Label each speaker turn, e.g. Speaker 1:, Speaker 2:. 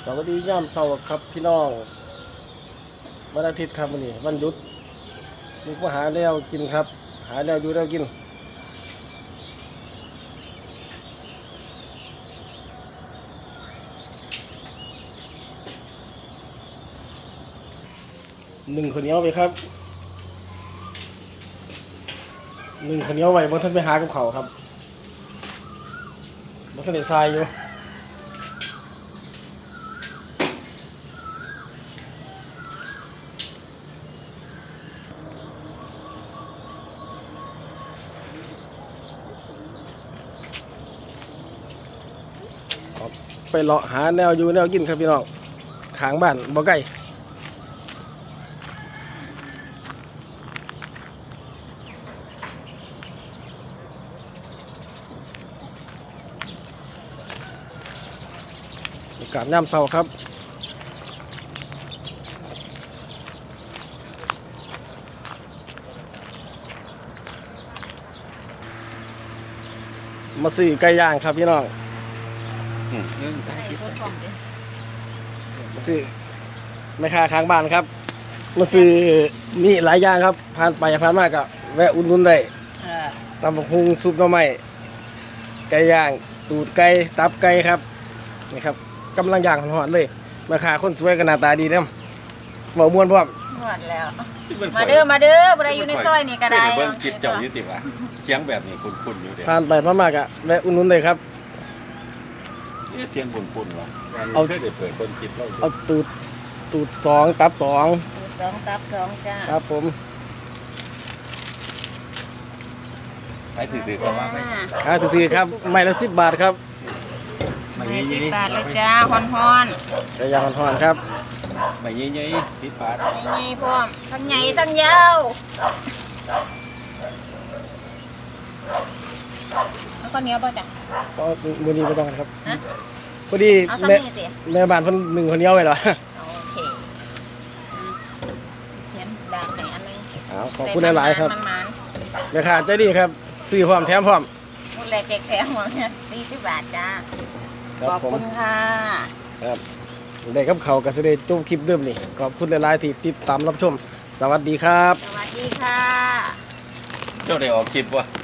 Speaker 1: สวัสดีย่ามเสาร์ครับพี่น้องวันอาทิตย์ครับวันนี้วันหยุดมีก็หาแล้วกินครับหาแล้วอยู่แล้วกินหนึ่งข้าวเหนียวไปครับหนึ่งข้าวเหนียวไว้บนท่านไปหากับเขาครับบนท่านได้ทรายอยู่ไปเลาะหาแนวอยู่แนวกินครับพี่น้องข้างบ้านบ่ไกลอากาศย่ำเช้าครับมาซื้อไก่ย่างครับพี่น้องมาซื้อไม่ค่าค้างบ้านครับมาซื้อมีหลายอย่างครับผ่านไปผ่านมากก็แวะอุ่นๆได้ตำบักหุ่งซุปหน่อไม้ไก่ย่างตูดไก่ตับไก่ครับนี่ครับกำลังย่างหอนๆเลยราคาคนสวยก็หน้าตาดีเด้อบ่ม่วนพร้อม
Speaker 2: หมดแล้วมาเด้อบ่ได้อยู่ในซอยนี่ก็ได้
Speaker 3: เบิ่งคลิปเจ้าอยู่ติว่าเสียงแบบนี้คุ้นๆอยู่เด้
Speaker 1: ผ่านไปผ่านมากก็แวะอุ่นๆเลยครับ
Speaker 3: เสียงคุ้นๆว่ะเคยได้เปิดเบิ่งคลิปเรา
Speaker 1: เอาตูดสองตับสอง
Speaker 2: สองตับสองจ้า
Speaker 1: ครับผม
Speaker 3: ไปถือๆก็ว่าไป
Speaker 1: ถือครับไม้ละ10 บาทครับ
Speaker 3: ไม่
Speaker 2: 10
Speaker 3: ยี่
Speaker 2: บาทเลยจ้าฮ้อน
Speaker 1: ไก่ย่างหอนๆครับ
Speaker 3: ไม่ยี่10 บาท
Speaker 2: ๆใหญ่พร้อมทั้งใหญ่ทั้งยาวแล้วก็เหนียวบ่จ้ะ
Speaker 1: ก็มือนี้ไม่ต้องครับ
Speaker 2: ฮะ
Speaker 1: พอดี
Speaker 2: เอาซ้ำ
Speaker 1: แม่
Speaker 2: นี่สิ
Speaker 1: แม่บ้านเพิ่นหนึ่งคนเดียวไว้เหรอ
Speaker 2: โอเคเขียนด่างให้อันนึง
Speaker 1: ขอบคุณหลายๆครับ
Speaker 2: มัน
Speaker 1: แม่ค้าใจดีครับซื้อพร้อมแถมพร้อม
Speaker 2: ๆพูดแรกแถมหมดเนี่ย40 บาทจ้า
Speaker 1: ครับ
Speaker 2: ขอบ
Speaker 1: ผม
Speaker 2: คุณค่ะ
Speaker 1: ครับได้กับเขาวก็สิได้จบคลิปเดิมนี่ขอบคุณหลายๆที่ติดตามรับชม สวัสดีครับ
Speaker 2: สวัสดีค่ะ
Speaker 3: เจ้าได้ออกคลิปวะ